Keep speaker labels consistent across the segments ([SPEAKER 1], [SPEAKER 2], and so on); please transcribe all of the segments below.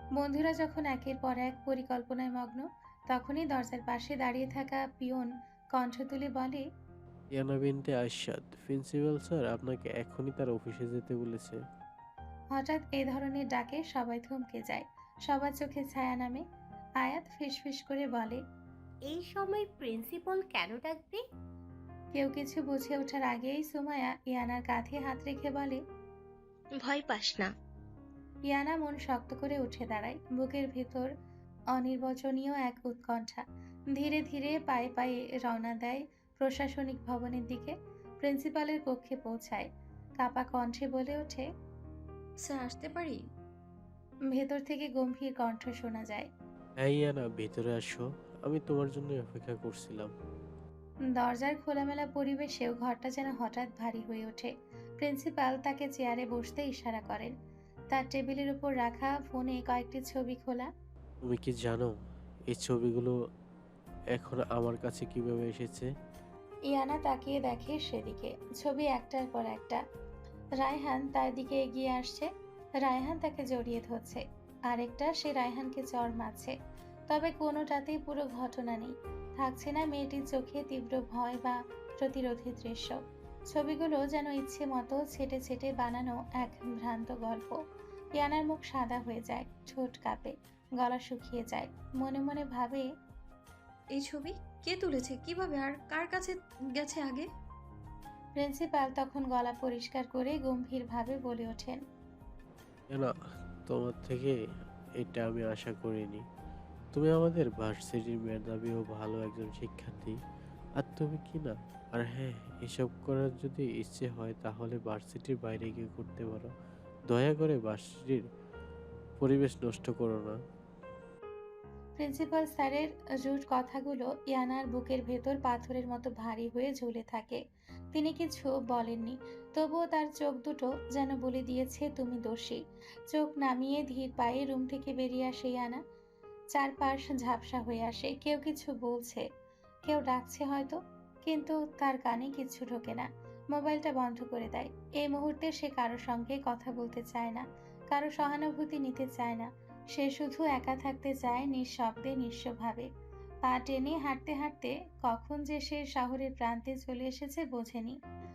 [SPEAKER 1] বন্ধুরা যখন একের পর এক পরিকল্পনায় মগ্ন, তখনই দরজার পাশে দাঁড়িয়ে থাকা পিয়ন কণ্ঠ তুলে বলে,
[SPEAKER 2] ইয়ানা বিনতে আশাদ, প্রিন্সিপাল স্যার আপনাকে এখনই তার অফিসে যেতে বলেছে।
[SPEAKER 1] হঠাৎ এ ধরনের ডাকে সবাই থমকে যায়। সবার চোখে ছায়া নামে। আয়াত ফিসফিস করে বলে,
[SPEAKER 3] এই সময় প্রিন্সিপাল কেন ডাকবে?
[SPEAKER 1] কেউ কিছু বুঝে ওঠার আগেই সুমায়া ইয়ানার কাঁধে হাত রেখে বলে,
[SPEAKER 4] ভয় পাস না।
[SPEAKER 1] ইয়ানা মন শক্ত করে উঠে দাঁড়ায়। বুকের ভেতর অনির্বচনীয় এক উৎকণ্ঠা। ধীরে ধীরে পায়ে পায়ে রওনা দেয় প্রশাসনিক ভবনের দিকে। প্রিন্সিপালের কক্ষে পৌঁছায়। কাপা কণ্ঠে বলে ওঠে,
[SPEAKER 5] স্যার আসতে পারি?
[SPEAKER 1] ভেতর থেকে গম্ভীর কণ্ঠ শোনা যায়,
[SPEAKER 2] হ্যাঁ ইয়ানা, ভেতরে আসো, আমি তোমার জন্য অপেক্ষা করছিলাম।
[SPEAKER 1] দরজার খোলামেলা পরিবেশেও ঘরটা যেন হঠাৎ ভারী হয়ে ওঠে। প্রিন্সিপাল তাকে চেয়ারে বসতে ইশারা করেন। তার টেবিলের উপর রাখা ফোনে কয়েকটি ছবি খোলা।
[SPEAKER 2] তুমি কি জানো এই ছবিগুলো এখন আমার কাছে কিভাবে এসেছে?
[SPEAKER 1] ইয়ানা তাকিয়ে দেখে সেদিকে। ছবি একটার পর একটা। রায়হান তার দিকে এগিয়ে আসছে। রায়হান তাকে জড়িয়ে ধরছে। আরেকটা সে রায়হানকে চড় মারছে। তবে কোনোটাতেই পুরো ঘটনা নেই। থাকছে না মেয়েটির চোখে তীব্র ভয় বা প্রতিরোধী দৃশ্য। ছবিগুলো যেন ইচ্ছে মতো ছেটে ছেটে বানানো এক ভ্রান্ত গল্প। ইয়ানার মুখ সাদা হয়ে যায়, ঠোঁট কাঁপে, গলা শুকিয়ে যায়। মনে মনে ভাবে,
[SPEAKER 5] এই ছবি কে তুলেছে, কিভাবে, আর কার কাছে গেছে আগে?
[SPEAKER 1] প্রিন্সিপাল তখন গলা পরিষ্কার করে গম্ভীরভাবে বলে ওঠেন,
[SPEAKER 2] ইয়ানা, তোমার থেকে এটা আমি আশা করিনি। তুমি আমাদের ভার্সিটির মেধাবী ও ভালো একজন শিক্ষার্থী। আর তুমি কি না? আর হ্যাঁ, এসব করার যদি ইচ্ছে হয় তাহলে ভার্সিটির বাইরে গিয়ে করতে পারো। দয়া করে ভার্সিটির পরিবেশ নষ্ট করো না।
[SPEAKER 1] প্রিন্সিপাল স্যারের রুট কথাগুলো ইয়ানার বুকের ভেতর পাথরের মতো ভারী হয়ে ঝুলে থাকে। তিনি কিছু বলেননি, তবুও তার চোখ দুটো যেন বলে দিয়েছে, তুমি দোষী। চোখ নামিয়ে ধীর পায়ে রুম থেকে বেরিয়ে আসে ইয়ানা। চারপাশ ঝাপসা হয়ে আসে। কেউ কিছু বলছে, কেউ ডাকছে হয়তো, কিন্তু তার কানে কিছু ঢোকে না। মোবাইলটা বন্ধ করে দেয়। এই মুহূর্তে সে কারো সঙ্গে কথা বলতে চায় না, কারো সহানুভূতি নিতে চায় না। সে শুধু একা থাকতে চায়, নিঃশব্দে, নিঃস্বভাবে। পা টেনে হাঁটতে হাঁটতে কখন যে সে শহরের প্রান্তে চলে এসেছে বোঝেনি।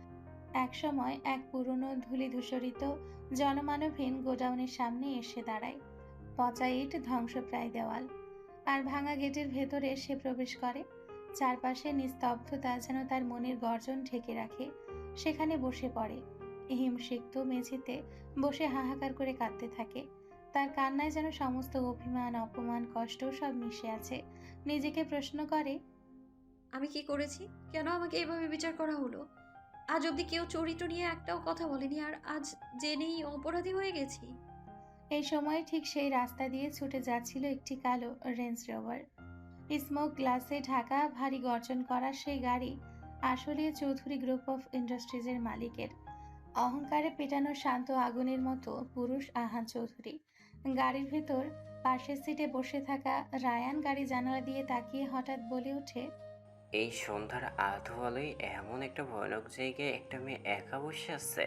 [SPEAKER 1] একসময় এক পুরনো ধূলিধূসরিত জনমানবহীন গোডাউনের সামনে এসে দাঁড়ায়। পচা ইট, ধ্বংসপ্রায় দেওয়াল আর ভাঙা গেটের ভেতরে সে প্রবেশ করে। চারপাশে নিস্তব্ধতা যেন তার মনের গর্জন ঢেকে রাখে। সেখানে বসে পড়ে। হিমসিক্ত মেঝেতে বসে হাহাকার করে কাঁদতে থাকে। তার কান্নায় যেন সমস্ত অভিমান, অপমান, কষ্ট সব মিশে আছে। নিজেকে প্রশ্ন করে,
[SPEAKER 5] আমি কি করেছি? কেন আমাকে এভাবে বিচার করা হলো? আজ অব্দি কেউ চরিত্র নিয়ে একটাও কথা বলেনি, আর আজ জেনেই অপরাধী হয়ে গেছি।
[SPEAKER 1] এই সময় ঠিক সেই রাস্তা দিয়ে ছুটে যাচ্ছিল একটি কালো রেঞ্জ রোভার। স্মোক গ্লাসে ঢাকা, ভারী গর্জন করা সেই গাড়ি আসলে চৌধুরী গ্রুপ অফ ইন্ডাস্ট্রিজের মালিকের। অহংকারে পেটানো শান্ত আগুনের মতো পুরুষ আহান চৌধুরী। গাড়ির ভেতর পাশের সিটে বসে থাকা রায়ান গাড়ি জানালা দিয়ে তাকিয়ে হঠাৎ বলে ওঠে,
[SPEAKER 6] এই সন্ধ্যার আধো আলোয় এমন একটা ভয়ানক জায়গায় একটা মেয়ে একা বসে আছে।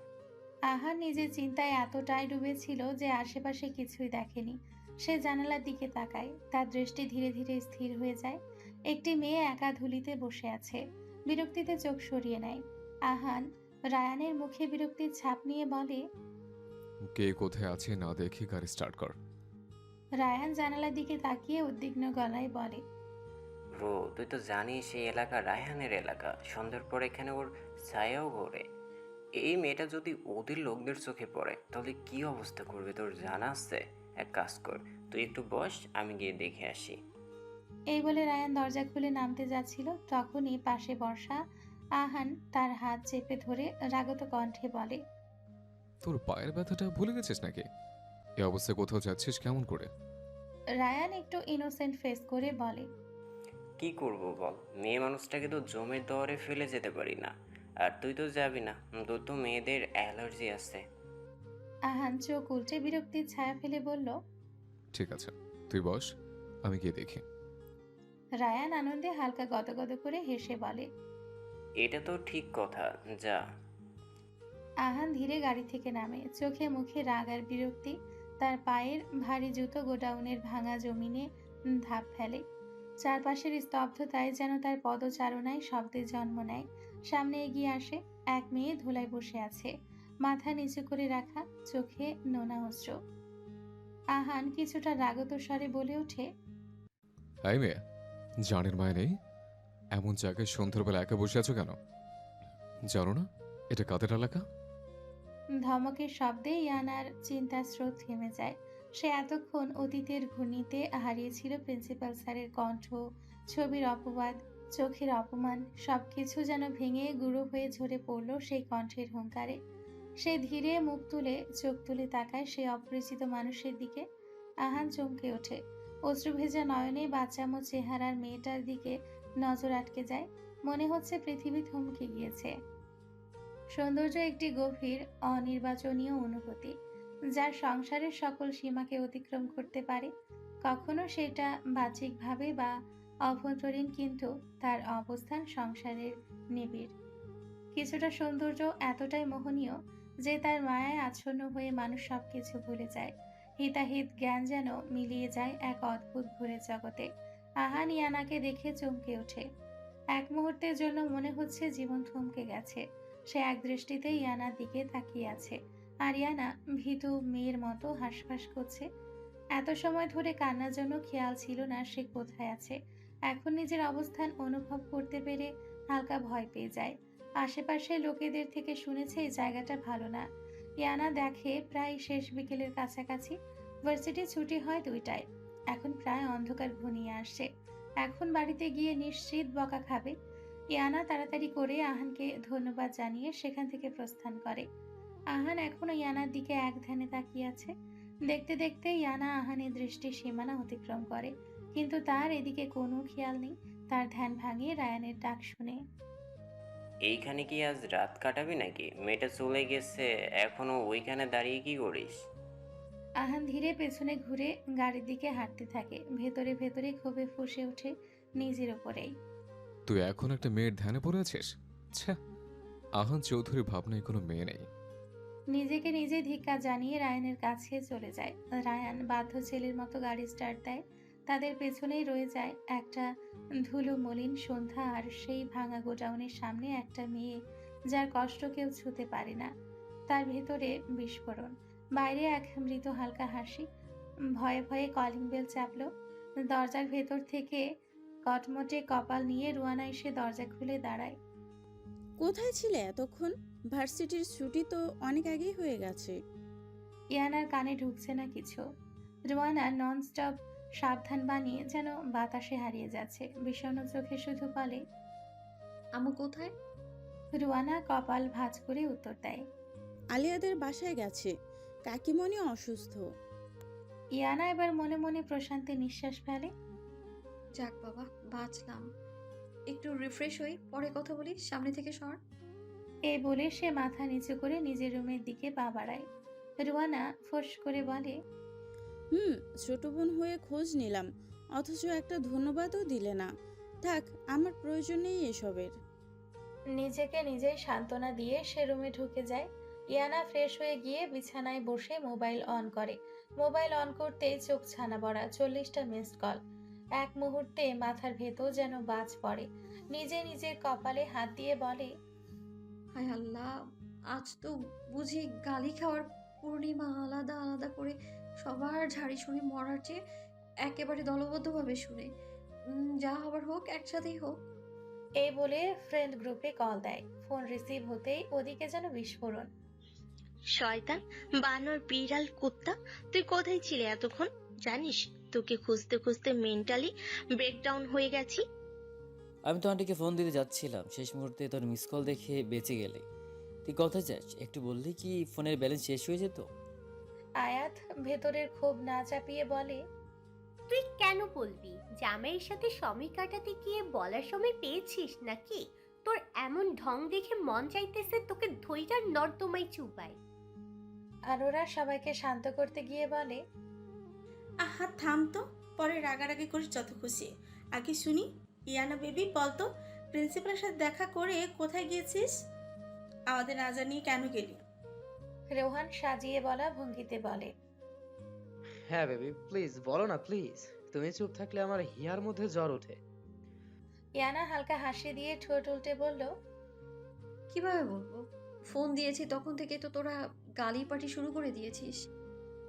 [SPEAKER 1] আহান নিজের চিন্তায় এতটাই ডুবেছিল যে আশেপাশে কিছুই দেখেনি। সে জানালার দিকে তাকায়। তার দৃষ্টি ধীরে ধীরে স্থির হয়ে যায়। একটি মেয়ে একা ধুলিতে বসে আছে। বিরক্তিতে চোখ সরিয়ে নেয়। আহান রায়ানের মুখে বিরক্তির ছাপ নিয়ে বলে,
[SPEAKER 7] কে কোথায় আছে না দেখে গাড়ি স্টার্ট কর।
[SPEAKER 1] রায়ান জানালার দিকে তাকিয়ে উদ্বিগ্ন গলায় বলে,
[SPEAKER 6] ব্রো, তুই তো জানিস এই এলাকা রায়হানের এলাকা। সন্ধ্যার পর এখানে ওর ছায়াও ঘোরে। এই মেয়েটা যদি ওদের লোকদের চোখে পড়ে তাহলে কি অবস্থা করবে তোর জানা আছে? এক কাজ কর, তুই একটু বস, আমি গিয়ে দেখে আসি।
[SPEAKER 1] এই বলে রায়ান দরজা খুলে নামতে যাচ্ছিল। তখনই পাশে বসা আহান তার হাত চেপে ধরে রাগত কণ্ঠে বলে,
[SPEAKER 7] তোর পায়ের ব্যথাটা ভুলে গেছিস নাকি? এই অবস্থায় কোথাও যাচ্ছিস কেমন করে?
[SPEAKER 1] রায়ান একটু ইনোসেন্ট ফেস করে বলে,
[SPEAKER 6] কি করব বল, মেয়ে মানুষটাকে তো জমের দরে ফেলে যেতে পারি না। আর তুই তো যাবি না, তোর তো মেয়েদের অ্যালার্জি আছে।
[SPEAKER 1] আহান চোখ উল্টে বিরক্তির ছায়া ফেলে বলল।
[SPEAKER 7] ঠিক আছে, তুই বস, আমি গিয়ে দেখি।
[SPEAKER 1] রায়ান আনন্দে হালকা গদগদ করে হেসে বলে।
[SPEAKER 6] এটা তো ঠিক কথা, যা।
[SPEAKER 1] আহান ধীরে গাড়ি থেকে নামে। চোখে মুখে রাগ আর বিরক্তি। তার পায়ের ভারী জুতো গোডাউনের ভাঙা জমিনে ধাপ ফেলে। চারপাশের স্তব্ধতায় যেন তার পদচারণায় শব্দের জন্ম নেয়। সামনে এগিয়ে আসে এক মেয়ে ধুলায় বসে আছে, মাথা নিচু করে রাখা, চোখে নোনা অশ্রু। আহান কিছুটা রাগত স্বরে বলে ওঠে,
[SPEAKER 7] এই মেয়ে, জানের মায় নেই, এমন জায়গায় সন্ধ্যাবেলা একা বসে আছো কেন? জানো না এটা কাদের এলাকা?
[SPEAKER 1] ধমকের শব্দে ইয়ানার চিন্তার স্রোত থেমে যায়। সে এতক্ষণ অতীতের ঘূর্ণিতে হারিয়েছিল প্রিন্সিপাল স্যারের কণ্ঠ, ছবির অপবাদ, চোখের অপমান, সবকিছু যেন ভেঙে গুঁড়ো হয়ে ঝরে পড়ল সেই কণ্ঠের হুঙ্কারে। সে ধীরে মুখ তুলে চোখ তুলে তাকায় সে অপরিচিত মানুষের দিকে। আহান চমকে ওঠে। অশ্রুভেজা নয়নে বাচ্চামো চেহারার মেয়েটার দিকে নজর আটকে যায়। মনে হচ্ছে পৃথিবী থমকে গিয়েছে। সৌন্দর্য একটি গভীর অনির্বাচনীয় অনুভূতি, যার সংসারের সকল সীমাকে অতিক্রম করতে পারে। কখনো সেটা বাহ্যিকভাবে বা অভ্যন্তরীণ, কিন্তু তার অবস্থান সংসারের নিবিড়। কিছুটা সৌন্দর্য এতটাই মোহনীয় যে তার মায়ায় আচ্ছন্ন হয়ে মানুষ সবকিছু ভুলে যায়। হিতাহিত জ্ঞান যেন মিলিয়ে যায় এক অদ্ভুত ঘুরে জগতে। আহান ইয়ানাকে দেখে চমকে ওঠে। এক মুহূর্তের জন্য মনে হচ্ছে জীবন থমকে গেছে। সে এক দৃষ্টিতে ইয়ানার দিকে তাকিয়ে আছে, আর ইয়ানা ভীতু মেয়ের মতো হাঁসফাঁস করছে। এত সময় ধরে কান্নার জন্য খেয়াল ছিল না সে কোথায় আছে। এখন নিজের অবস্থান অনুভব করতে পেরে হালকা ভয় পেয়ে যায়। আশেপাশে লোকেদের থেকে শুনেছে এই জায়গাটা ভালো না। ইয়ানা দেখে প্রায় শেষ বিকেলের কাছাকাছি। ভার্সিটি ছুটি হয় 2টায়। এখন প্রায় অন্ধকার ঘনিয়ে আসছে। এখন বাড়িতে গিয়ে নিশ্চিত বকা খাবে। ইয়ানা তাড়াতাড়ি করে আহানকে ধন্যবাদ জানিয়ে সেখান থেকে প্রস্থান করে। আহান এখনো ইয়ানার দিকে এক ধ্যানে তাকিয়ে আছে। দেখতে দেখতে ইয়ানা আহানের দৃষ্টির সীমানা অতিক্রম করে, কিন্তু তার এদিকে কোনো খেয়াল নেই। তার ধ্যান ভাঙে রায়ানের ডাক শুনে।
[SPEAKER 6] এইখানে কি আজ রাত কাটাবি নাকি? মেয়েটা চলে গেছে, এখনো ওইখানে দাঁড়িয়ে কি করিস?
[SPEAKER 1] আহান ধীরে পেছনে ঘুরে গাড়ির দিকে হাঁটতে থাকে। ভেতরে ভেতরে ক্ষোভে ফুঁসে ওঠে নিজের ওপরেই।
[SPEAKER 7] তুই এখন একটা মেয়ের ধ্যানে পড়ে আছিস? ছ্যা, আহান চৌধুরীর ভাবনায় কোনো মেয়ে নেই।
[SPEAKER 1] নিজেকে নিজে ধিক্কার জানিয়ে রায়ানের কাছে চলে যায়। রায়ান বাধ্য ছেলের মতো গাড়ি স্টার্ট দেয়। তাদের পেছনেই রয়ে যায় একটা ধুলো মলিন সন্ধ্যা, আর সেই ভাঙা গোডাউনের সামনে একটা মেয়ে যার কষ্ট কেউ ছুঁতে পারে না। তার ভেতরে বিস্ফোরণ, বাইরে এক মৃত হালকা হাসি। ভয়ে ভয়ে কলিং বেল চাপলো। দরজার ভেতর থেকে কটমটে কপাল নিয়ে রুয়ানা এসে দরজা খুলে দাঁড়ায়।
[SPEAKER 8] কোথায় ছিলে এতক্ষণ? ভার্সিটির ছুটি তো অনেক আগেই হয়ে গেছে।
[SPEAKER 1] ইয়ানার কানে ঢুকছে না কিছু। রুয়ানা ননস্টপ সাবধান বানিয়ে যেন বাতাসে হারিয়ে যাচ্ছে। বিষণ্ণ চোখে শুধু বলে,
[SPEAKER 5] আমু কোথায়?
[SPEAKER 1] রুয়ানা কপাল ভাঁজ করে উত্তর দেয়,
[SPEAKER 8] আলিয়াদের বাসায় গেছে, কাকিমণি অসুস্থ।
[SPEAKER 1] ইয়ানা এবার মনে মনে প্রশান্তি নিঃশ্বাস ফেলে।
[SPEAKER 5] যাক বাবা, বাঁচলাম। একটু রিফ্রেশ হই, পরে কথা বলি, সামনে থেকে সর।
[SPEAKER 1] এই বলে সে মাথা নিচু করে নিজের রুমের দিকে পা বাড়ায়। রুয়ানা ফোঁস করে বলে,
[SPEAKER 8] ছোট বোন হয়ে খোঁজ নিলাম, অথচ একটা ধন্যবাদও দিলে না। থাক, আমার প্রয়োজন নেই এসবের।
[SPEAKER 1] নিজেকে নিজেই সান্ত্বনা দিয়ে সে রুমে ঢুকে যায়। ইয়ানা ফ্রেশ হয়ে গিয়ে বিছানায় বসে মোবাইল অন করে। মোবাইল অন করতেই চোখ ছানা বড়া, 40টা মিসড কল। এক মুহূর্তে মাথার ভেতর যেন বাজ পড়ে। নিজে নিজের কপালে হাত দিয়ে বলে,
[SPEAKER 5] হায় আল্লাহ, আজ তো বুঝি গালি খাওয়ার পূর্ণিমা। আলাদা আলাদা করে সবার ঝাড়ি শুনে মরার চেয়ে একেবারে দলবদ্ধভাবে শুনে যা হবার হোক, একসাথেই হোক।
[SPEAKER 1] এই বলে ফ্রেন্ড গ্রুপে কল দেয়। ফোন রিসিভ হতেই ওদিকে যেন বিস্ফোরণ।
[SPEAKER 4] শয়তান, বানর, বিড়াল, কুত্তা, তুই কোথায় ছিলে এতক্ষণ? জানিস তোকে খুঁজতে খুঁজতে মেন্টালি ব্রেকডাউন হয়ে গেছি।
[SPEAKER 9] আমি তো আন্টিকে ফোন দিতে যাচ্ছিলাম, শেষ মুহূর্তে তোর মিস কল দেখে বেঁচে গেলে। তুই কথা চাস, একটু বললেই কি ফোনের ব্যালেন্স শেষ হয়ে যেত?
[SPEAKER 1] আয়াত ভেতরের ক্ষোভ না চাপিয়ে বলে,
[SPEAKER 3] তুই কেন বলবি? জামাইয়ের সাথে সময় কাটাতে গিয়ে বলার সময় পেয়েছিস নাকি? তোর এমন ঢং দেখে মন চাইতেছে তোকে ধৈর্যার নর্দমায় চুবাই।
[SPEAKER 1] আর ওরা সবাইকে শান্ত করতে গিয়ে বলে,
[SPEAKER 10] আহা থাম তো, পরে রাগারাগি করিস যত খুশি। আগে শুনি, ইয়ানা বেবি বলতো, প্রিন্সিপালের সাথে দেখা করে কোথায় গিয়েছিস? আমাদের না জানিয়ে কেন গেলি?
[SPEAKER 1] রোহান সাজিয়ে বলা ভঙ্গিতে বলে,
[SPEAKER 11] হ্যাঁ বেবি, প্লিজ বলো না প্লিজ। তুমি চুপ থাকলে আমার হিয়ার মধ্যে জ্বর ওঠে।
[SPEAKER 1] ইয়ানা হালকা হাসি দিয়ে ঠোঁট উল্টে বলল,
[SPEAKER 5] কিভাবে বলবো? ফোন দিয়েছি তখন থেকে তো তোরা গালি পাটি শুরু করে দিয়েছিস।